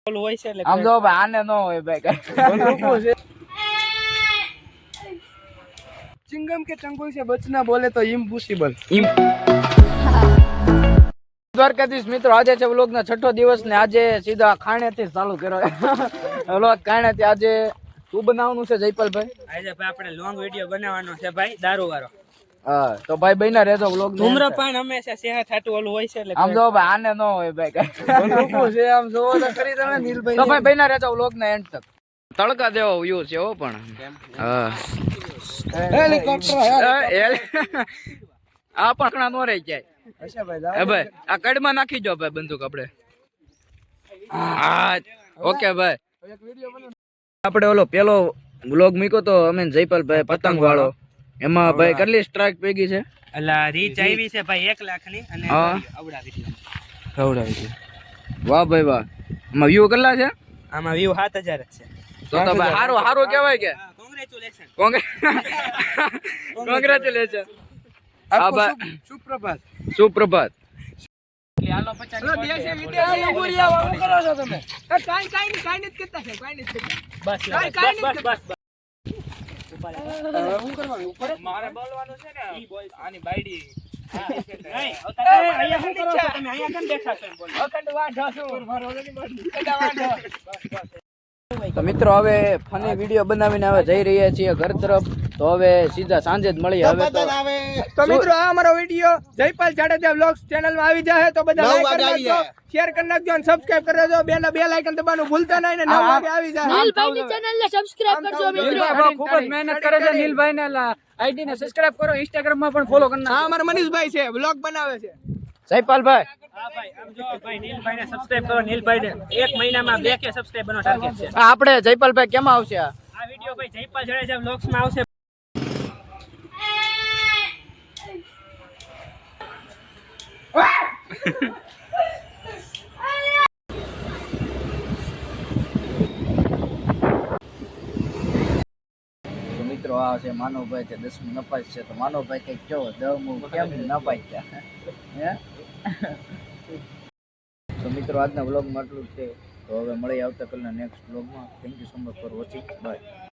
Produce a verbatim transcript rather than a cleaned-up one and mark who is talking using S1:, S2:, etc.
S1: હોય છે એટલે
S2: આમ જો ભાઈ આને ન હોય ભાઈ કઈ
S3: चिंगम के चंगुल से बचना बोले तो इम्पॉसिबल।
S2: દ્વારકાધીશ મિત્રો, આજે છે વ્લોગ ના છઠ્ઠો દિવસ ને આજે સીધા ખાણે થી ચાલુ કર્યો વ્લોગ ખાણે થી. આજે શું બનાવવાનું છે જયપાલભાઈ?
S1: આજે ભાઈ આપણે લોંગ વિડિયો બનાવવાનો છે ભાઈ, દારૂ વાળો.
S2: હા તો ભાઈ બઈના રહેજો વ્લોગ.
S1: ધૂમ્રપાન હંમેશા સેહત હાટુ ઓલું હોય છે એટલે
S2: આમ જો ભાઈ આને ન હોય ભાઈ કઈ
S3: છે આમ જોવો તો ખરી તમે નીલભાઈ.
S2: તો ભાઈ બઈના રહેજો વ્લોગ ના એન્ડ તક. તડકા દેવો વ્યૂ છે હો પણ. હા
S3: હેલિકોપ્ટર
S2: આ પકડા નો રહી જાય.
S3: અચ્છા ભાઈ
S2: એ ભાઈ આ કડમાં નાખી જો ભાઈ બંદૂક આપણે. હા ઓકે ભાઈ. આપણે ઓલો પેલો વ્લોગ મૂક્યો તો અમે જયપાલભાઈ પતંગ વાળો, એમાં ભાઈ કેટલી સ્ટ્રાઇક ભેગી છે?
S1: અલા રીચ આવી છે ભાઈ એક લાખ ની અને આવડાવી છે.
S3: ખવડાવી છે.
S2: વાહ ભાઈ વાહ. એમાં વ્યૂ કેટલા છે?
S1: આમાં વ્યૂ સાત હજાર જ છે.
S2: તો તો ભાઈ સારું સારું કહેવાય કે
S1: કોંગ્રેચ્યુલેશન.
S2: કોંગ્રેચ્યુલેશન. હા ભાઈ
S3: સુપ્રભાત.
S2: સુપ્રભાત.
S1: હાલો પચાસ
S3: દેશી વિદેશી અંગુરિયા વાળું કરો છો તમે.
S1: કાઈ કાઈ કાઈ નથી કરતા છે, કાઈ નથી કરતા. બસ બસ બસ બસ.
S3: હું કરવાનું ઉપર
S1: મારે બોલવાનું છે ને આની બાયડી. હા નહીં અહીંયા શું કરો છો તમે? અહીંયા કેમ બેઠા છો? બોલ અખંડ વાંઢો છું મારો ઓલની બાયડી કડા વાંઢો. બસ બસ.
S2: તો મિત્રો હવે ફની વિડીયો બનાવીને હવે જઈ રહ્યા છીએ ઘર તરફ. તો હવે સીધા સાંજે જ મળીએ. હવે તો
S3: તો મિત્રો આ અમારો video Jaypal Jadeja vlogs channel માં આવી જાય તો બધા લાઈક કરી નાખજો, શેર કરી નાખજો અને સબસ્ક્રાઇબ કરી દેજો. બે ના બે લાઇકન દબાવવાનું ભૂલતા નહીં ને નવ વાગે આવી જાય.
S4: નીલભાઈ ની ચેનલ ને સબસ્ક્રાઇબ કરજો મિત્રો.
S2: ખૂબ જ મહેનત કરે છે નીલભાઈ ને. આઈડી ને સબસ્ક્રાઇબ કરો, ઇન્સ્ટાગ્રામ માં પણ ફોલો કરી
S3: હા
S2: નાખો.
S3: અમારા મનીષભાઈ છે, વ્લોગ બનાવે છે.
S2: જયપાલભાઈ
S1: હા ભાઈ આમ જો ભાઈ નીલભાઈ ને સબસ્ક્રાઇબ કરો. નીલભાઈ ને એક મહિનામાં બે કે સબસ્ક્રાઇબ બનો ટાર્ગેટ છે.
S2: આપણે જયપાલભાઈ કેમ આવશે? આ
S1: આ વિડિયો ભાઈ જયપાલ જાડેજા વ્લોગ્સ માં આવશે.
S2: તો મિત્રો આ છે માનવભાઈ, તે દસમું નપાસ છે. તો માનવભાઈ કઈક કેવો દસમું કેમ નપાઈ ગયા હે? તો મિત્રો આજના વ્લોગમાં આટલું જ છે. તો હવે મળી આવતા કલના નેક્સ્ટ વ્લોગમાં. Thank you so much for watching. By.